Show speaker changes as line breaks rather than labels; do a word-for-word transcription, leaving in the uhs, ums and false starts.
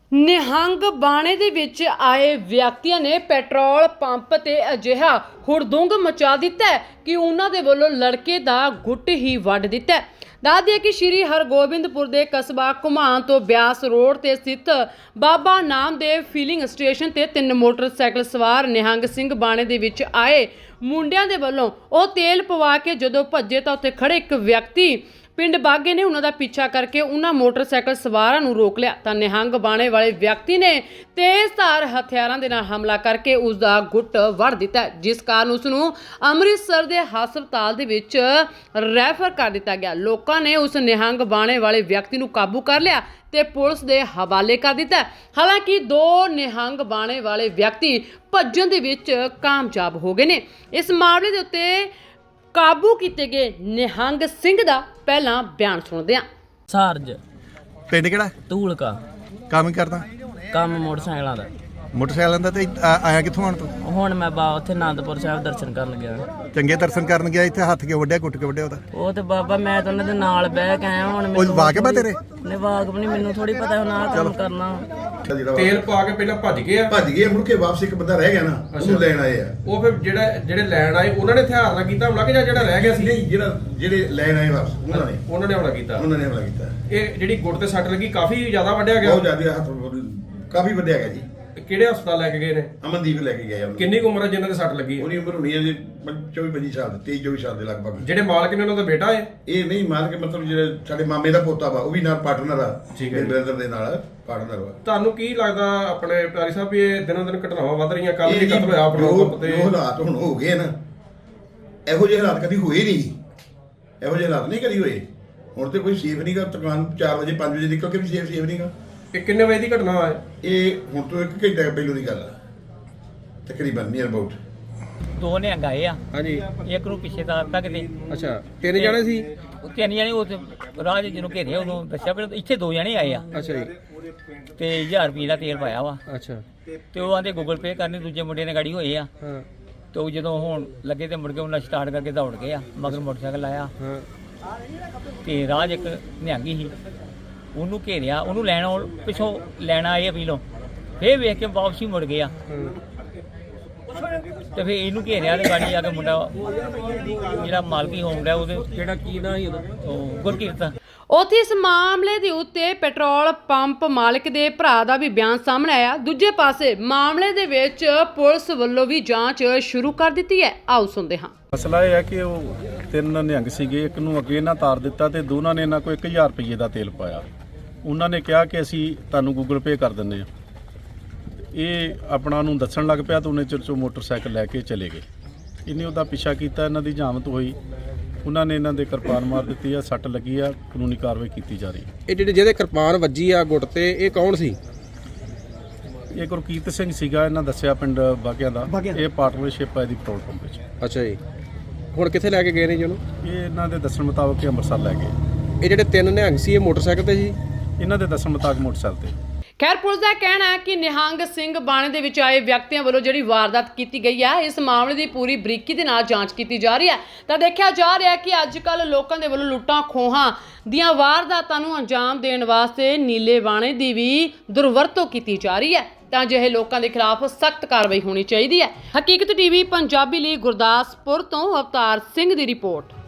ਨਿਹੰਗ ਬਾਣੇ ਦੇ ਵਿੱਚ ਆਏ ਵਿਅਕਤੀਆਂ ਨੇ ਪੈਟਰੋਲ ਪੰਪ ਤੇ ਅਜਿਹਾ ਹੁੜਦੁੰਗ ਮਚਾ ਦਿੱਤਾ ਕਿ ਉਹਨਾਂ ਦੇ ਵੱਲੋਂ ਲੜਕੇ ਦਾ ਗੁੱਟ ਹੀ ਵੱਢ ਦਿੱਤਾ। ਦੱਸ ਦਈਏ ਕਿ ਸ਼੍ਰੀ ਹਰਗੋਬਿੰਦਪੁਰ ਦੇ ਕਸਬਾ ਘੁਮਾਣ ਤੋਂ ਬਿਆਸ ਰੋਡ ਤੇ ਸਥਿਤ ਬਾਬਾ ਨਾਮਦੇਵ ਫਿਲਿੰਗ ਸਟੇਸ਼ਨ ਤੇ ਤਿੰਨ ਮੋਟਰਸਾਈਕਲ ਸਵਾਰ ਨਿਹੰਗ ਸਿੰਘ ਬਾਣੇ ਦੇ ਵਿੱਚ ਆਏ ਮੁੰਡਿਆਂ ਦੇ ਵੱਲੋਂ ਉਹ ਤੇਲ ਪਵਾ ਕੇ ਜਦੋਂ ਭੱਜੇ ਤਾਂ ਉੱਥੇ ਖੜੇ ਇੱਕ ਵਿਅਕਤੀ ਪਿੰਡ ਬਾਗੇ ਨੇ ਉਹਨਾਂ ਦਾ ਪਿੱਛਾ ਕਰਕੇ ਉਹਨਾਂ ਮੋਟਰਸਾਈਕਲ ਸਵਾਰਾਂ ਨੂੰ ਰੋਕ ਲਿਆ ਤਾਂ ਨਿਹੰਗ ਬਾਣੇ ਵਾਲੇ ਵਿਅਕਤੀ ਨੇ ਤੇਜ਼ਧਾਰ ਹਥਿਆਰਾਂ ਦੇ ਨਾਲ ਹਮਲਾ ਕਰਕੇ ਉਸ ਦਾ ਗੁੱਟ ਵੱਢ ਦਿੱਤਾ, ਜਿਸ ਕਾਰਨ ਉਸ ਨੂੰ ਅੰਮ੍ਰਿਤਸਰ ਦੇ ਹਸਪਤਾਲ ਦੇ ਵਿੱਚ ਰੈਫਰ ਕਰ ਦਿੱਤਾ ਗਿਆ। ਲੋਕਾਂ ਨੇ ਉਸ ਨਿਹੰਗ ਬਾਣੇ ਵਾਲੇ ਵਿਅਕਤੀ ਨੂੰ ਕਾਬੂ ਕਰ ਲਿਆ ਤੇ ਪੁਲਿਸ ਦੇ ਹਵਾਲੇ ਕਰ ਦਿੱਤਾ। ਹਾਲਾਂਕਿ ਦੋ ਨਿਹੰਗ ਬਾਣੇ ਵਾਲੇ ਵਿਅਕਤੀ ਭੱਜਣ ਦੇ ਵਿੱਚ ਕਾਮਯਾਬ ਹੋ ਗਏ ਨੇ। ਇਸ ਮਾਮਲੇ ਦੇ ਉੱਤੇ ਕਾਬੂ ਕੀਤੇ ਗਏ ਨਿਹੰਗ ਸਿੰਘ ਦਾ ਪਹਿਲਾਂ ਬਿਆਨ ਸੁਣਦੇ ਹਾਂ।
ਸਾਰਜ
ਪਿੰਡ ਕਿਹੜਾ?
ਧੂਲਕਾ।
ਕੰਮ ਹੀ ਕਰਦਾ?
ਕੰਮ ਮੋਟਰਸਾਈਕਲਾਂ ਦਾ।
ਮੋਟਰਸਾਈਕਲਾਂ ਦਾ। ਤੇ ਆ- ਆਇਆ ਕਿੱਥੋਂ ਆਣ ਤੂੰ?
ਹੁਣ ਮੈਂ ਬਾ ਉੱਥੇ ਆਨੰਦਪੁਰ ਸਾਹਿਬ ਦਰਸ਼ਨ ਕਰਨ ਗਿਆ।
ਚੰਗੇ ਦਰਸ਼ਨ ਕਰਨ ਗਿਆ, ਇੱਥੇ ਹੱਥ ਕਿਉਂ ਵੱਢਿਆ, ਕੁੱਟ ਕੇ ਵੱਢਿਆ ਉਹਦਾ?
ਉਹ ਤੇ ਬਾਬਾ ਮੈਂ ਤਾਂ ਉਹਨਾਂ ਦੇ ਨਾਲ ਬਹਿ ਕੇ ਆਇਆ। ਹੁਣ
ਉਹ ਵਾਕਿਬ ਆ ਤੇਰੇ?
ਨੇ ਵਾਕਬ ਨਹੀਂ, ਮੈਨੂੰ ਥੋੜੀ ਪਤਾ ਹੁਣ ਆਹ ਕੰਮ ਕਰਨਾ।
ਤੇਲ ਪਾ ਕੇ ਪਹਿਲਾਂ ਭੱਜ ਗਏ ਆ
ਭੱਜ ਗਏ ਮੁੜ ਕੇ ਵਾਪਸ ਇੱਕ ਬੰਦਾ ਰਹਿ ਗਿਆ ਨਾ, ਉਹਨੂੰ ਲੈਣ ਆਏ ਆ।
ਉਹ ਫਿਰ ਜਿਹੜਾ ਜਿਹੜੇ ਲੈਣ ਆਏ ਉਹਨਾਂ ਨੇ ਹਥਿਆਰ ਨਾਲ ਕੀਤਾ ਹਮਲਾ ਕਿ ਜਾਂ ਜਿਹੜਾ ਰਹਿ ਗਿਆ ਸੀ?
ਨਹੀਂ, ਜਿਹੜਾ ਜਿਹੜੇ ਲੈਣ ਆਏ ਵਾਪਸ ਉਹਨਾਂ ਨੇ
ਉਹਨਾਂ ਨੇ ਹਮਲਾ ਕੀਤਾ।
ਉਹਨਾਂ ਨੇ ਹਮਲਾ ਕੀਤਾ।
ਇਹ ਜਿਹੜੀ ਗੁੱਟ ਤੇ ਸੱਟ ਲੱਗੀ ਕਾਫੀ ਜ਼ਿਆਦਾ ਵੱਢਿਆ ਗਿਆ।
ਬਹੁਤ ਜ਼ਿਆਦਾ ਹੱਥ ਕਾਫੀ ਵੱਡਿਆ ਗਿਆ ਜੀ।
ਕਿਹੜੇ ਹਸਪਤਾਲ ਲੈ ਕੇ ਗਏ ਨੇ?
ਅਮਨਦੀਪ ਲੈ ਕੇ ਗਏ ਉਹਨੂੰ।
ਕਿੰਨੀ ਕੁ ਉਮਰ ਹੈ ਜਿਨ੍ਹਾਂ ਦੇ ਸੱਟ ਲੱਗੀ?
ਉਹਦੀ ਉਮਰ ਹੋਣੀ ਹੈ ਜੀ ਚੌਵੀ ਪੱਚੀ ਸਾਲ, ਤੇਈ ਚੌਵੀ ਸਾਲ ਦੇ ਲਗਭਗ।
ਜਿਹੜੇ ਮਾਲਕ ਨੇ ਉਹਨਾਂ ਦਾ ਬੇਟਾ ਹੈ?
ਇਹ ਨਹੀਂ ਮਾਲਕ, ਮਤਲਬ ਜਿਹੜੇ ਸਾਡੇ ਮਾਮੇ ਦਾ ਪੋਤਾ ਵਾ, ਉਹ ਵੀ ਨਾਲ ਪਾਰਟਨਰ ਆ।
ਠੀਕ ਹੈ।
ਬ੍ਰਦਰ ਦੇ ਨਾਲ ਪਾਰਟਨਰ ਵਾ।
ਤੁਹਾਨੂੰ ਕੀ ਲੱਗਦਾ ਆਪਣੇ ਪਿਆਰੀ ਸਾਹਿਬ ਵੀ ਇਹ ਦਿਨੋਂ ਦਿਨ ਘਟਨਾਵਾਂ ਵੱਧ ਰਹੀਆਂ? ਕੱਲ ਵੀ ਕਤਲ ਹੋਇਆ ਪੈਟਰੋਲ ਪੰਪ ਤੇ।
ਉਹ ਹਾਲਾਤ ਹੁਣ ਹੋ ਗਏ ਨਾ, ਇਹੋ ਜਿਹੇ ਹਾਲਾਤ ਕਦੀ ਹੋਏ ਨਹੀਂ। ਇਹੋ ਜਿਹੇ ਹਾਲਾਤ ਨਹੀਂ ਕਦੀ ਹੋਏ। ਹੁਣ ਤੇ ਕੋਈ ਸੇਫ ਨਹੀਂਗਾ। ਦੁਕਾਨ ਚਾਰ ਵਜੇ ਪੰਜ ਵਜੇ ਨਿਕਲ ਕੇ ਵੀ ਸੇਫ ਸੇਫ ਨਹੀਂਗਾ।
ਇਹ ਕਿੰਨੇ ਵਜੇ ਦੀ ਘਟਨਾ ਹੈ?
ਇਹ ਹੁਣ ਤੋਂ ਇੱਕ ਘੰਟਾ ਪਹਿਲੋਂ ਦੀ ਗੱਲ ਆ ਤਕਰੀਬਨ, ਨੀਅਰ ਅਬਾਊਟ।
ਦੋ ਨੇ ਗਏ ਆ।
ਹਾਂਜੀ।
ਇੱਕ ਨੂੰ ਪਿੱਛੇ ਤਾਰ ਤੱਕ ਤੇ
ਅੱਛਾ, ਤਿੰਨ ਜਣੇ ਸੀ?
ਉਹ ਤਿੰਨ ਜਣੇ ਉਹ ਰਾਜ ਜਿਹਨੂੰ ਘੇਰਿਆ ਉਦੋਂ ਦੱਸਿਆ ਪਰ ਇੱਥੇ ਦੋ ਜਣੇ ਆਏ ਆ
ਅੱਛਾ ਜੀ।
ਤੇ ਹਜ਼ਾਰ ਰੁਪਏ ਦਾ ਤੇਲ ਪਾਇਆ ਵਾ।
ਅੱਛਾ।
ਤੇ ਉਹ ਆਂਦੇ ਗੂਗਲ ਪੇ ਕਰਨੀ, ਦੂਜੇ ਮੁੰਡੇ ਨੇ ਗਾੜੀ ਹੋਏ ਆ।
ਹਾਂ
ਤੇ ਉਹ ਜਦੋਂ ਹੁਣ ਲੱਗੇ ਤੇ ਮੁੜ ਕੇ ਉਹਨਾਂ ਸਟਾਰਟ ਕਰਕੇ ਦੌੜ ਗਏ ਆ, ਮਗਰ ਮੋਟਰਸਾਈਕਲ ਆਇਆ
ਹਾਂ।
ਤੇ ਰਾਜ ਇੱਕ ਨਿਹੰਗੀ ਸੀ, ਉਹਨੂੰ ਘੇਰਿਆ, ਉਹਨੂੰ ਲੈਣ ਆਉਣ- ਪਿੱਛੋਂ ਲੈਣ ਆਏ ਆ ਪੀਲੋਂ, ਫੇਰ ਵੇਖ ਕੇ ਵਾਪਸੀ ਮੁੜ ਗਏ ਆ। ਤੇ ਫੇਰ ਇਹਨੂੰ ਘੇਰਿਆ ਤੇ ਗਾੜੀ ਆ ਕੇ ਮੁੰਡਾ ਜਿਹੜਾ ਮਾਲਕੀ ਹੋਮ ਰਿਹਾ ਉਹਦੇ ਜਿਹੜਾ ਕੀ ਨਾਂ ਸੀ ਉਹ ਗੁਰਕੀਰਤ।
ਉੱਥੇ ਇਸ ਮਾਮਲੇ ਦੇ ਉੱਤੇ ਪੈਟਰੋਲ ਪੰਪ ਮਾਲਕ ਦੇ ਭਰਾ ਦਾ ਵੀ ਬਿਆਨ ਸਾਹਮਣੇ ਆਇਆ। ਦੂਜੇ ਪਾਸੇ ਮਾਮਲੇ ਦੇ ਵਿੱਚ ਪੁਲਿਸ ਵੱਲੋਂ ਵੀ ਜਾਂਚ ਸ਼ੁਰੂ ਕਰ ਦਿੱਤੀ ਹੈ। ਆਓ ਸੁਣਦੇ ਹਾਂ।
ਮਸਲਾ ਇਹ ਹੈ ਕਿ ਉਹ ਤਿੰਨ ਨਿਹੰਗ ਸੀਗੇ, ਇੱਕ ਨੂੰ ਅੱਗੇ ਇਹਨਾਂ ਤਾਰ ਦਿੱਤਾ ਤੇ ਦੋਨਾਂ ਨੇ ਇਹਨਾਂ ਕੋਲ ਇੱਕ ਹਜ਼ਾਰ ਰੁਪਏ ਦਾ ਤੇਲ ਪਾਇਆ। ਉਹਨਾਂ ਨੇ ਕਿਹਾ ਕਿ ਅਸੀਂ ਤੁਹਾਨੂੰ ਗੂਗਲ ਪੇ ਕਰ ਦਿੰਦੇ ਹਾਂ। ਇਹ ਆਪਣਾ ਨੂੰ ਦੱਸਣ ਲੱਗ ਪਿਆ ਤਾਂ ਉਹਨੇ ਚਿਰ 'ਚੋਂ ਮੋਟਰਸਾਈਕਲ ਲੈ ਕੇ ਚਲੇ ਗਏ। ਇਹਨੇ ਉਹਦਾ ਪਿੱਛਾ ਕੀਤਾ, ਇਹਨਾਂ ਦੀ ਜਾਮਤ ਹੋਈ, ਉਹਨਾਂ ਨੇ ਇਹਨਾਂ ਦੇ ਕਿਰਪਾਨ ਮਾਰ ਦਿੱਤੀ ਆ, ਸੱਟ ਲੱਗੀ ਆ, ਕਾਨੂੰਨੀ ਕਾਰਵਾਈ ਕੀਤੀ ਜਾ ਰਹੀ ਹੈ।
ਇਹ ਜਿਹੜੇ ਜਿਹਦੇ ਕਿਰਪਾਨ ਵੱਜੀ ਆ ਗੁੱਟ ਤੇ, ਇਹ ਕੌਣ ਸੀ?
ਇਹ ਗੁਰਕੀਰਤ ਸਿੰਘ ਸੀਗਾ, ਇਹਨਾਂ ਦੱਸਿਆ ਪਿੰਡ ਬਾਗਿਆਂ ਦਾ। ਇਹ ਪਾਰਟਨਰਸ਼ਿਪ ਹੈ ਇਹਦੀ ਪੈਟਰੋਲ ਪੰਪ ਵਿੱਚ।
ਅੱਛਾ ਜੀ। ਹੁਣ ਕਿੱਥੇ ਲੈ ਕੇ ਗਏ ਨੇ ਜੀ ਉਹਨੂੰ?
ਇਹ ਇਹਨਾਂ ਦੇ ਦੱਸਣ ਮੁਤਾਬਕ ਇਹ ਅੰਮ੍ਰਿਤਸਰ ਲੈ ਗਏ।
ਇਹ ਜਿਹੜੇ ਤਿੰਨ ਨਿਹੰਗ ਸੀ ਇਹ ਮੋਟਰਸਾਈਕਲ ਤੇ ਸੀ?
ਇਹਨਾਂ ਦੇ ਦੱਸਣ ਮੁਤਾਬਕ ਮੋਟਰਸਾਈਕਲ ਤੇ।
ਖੈਰ, ਪੁਲਿਸ ਦਾ ਕਹਿਣਾ ਹੈ ਕਿ ਨਿਹੰਗ ਸਿੰਘ ਬਾਣੇ ਦੇ ਵਿੱਚ ਆਏ ਵਿਅਕਤੀਆਂ ਵੱਲੋਂ ਜਿਹੜੀ ਵਾਰਦਾਤ ਕੀਤੀ ਗਈ ਹੈ, ਇਸ ਮਾਮਲੇ ਦੀ ਪੂਰੀ ਬਰੀਕੀ ਦੇ ਨਾਲ ਜਾਂਚ ਕੀਤੀ ਜਾ ਰਹੀ ਹੈ। ਤਾਂ ਦੇਖਿਆ ਜਾ ਰਿਹਾ ਹੈ ਕਿ ਅੱਜ ਕੱਲ੍ਹ ਲੋਕਾਂ ਦੇ ਵੱਲੋਂ ਲੁੱਟਾਂ ਖੋਹਾਂ ਦੀਆਂ ਵਾਰਦਾਤਾਂ ਨੂੰ ਅੰਜਾਮ ਦੇਣ ਵਾਸਤੇ ਨੀਲੇ ਬਾਣੇ ਦੀ ਵੀ ਦੁਰਵਰਤੋਂ ਕੀਤੀ ਜਾ ਰਹੀ ਹੈ। ਤਾਂ ਅਜਿਹੇ ਲੋਕਾਂ ਦੇ ਖਿਲਾਫ ਸਖਤ ਕਾਰਵਾਈ ਹੋਣੀ ਚਾਹੀਦੀ ਹੈ। ਹਕੀਕਤ ਟੀਵੀ ਪੰਜਾਬੀ ਲਈ ਗੁਰਦਾਸਪੁਰ ਤੋਂ ਅਵਤਾਰ ਸਿੰਘ ਦੀ ਰਿਪੋਰਟ।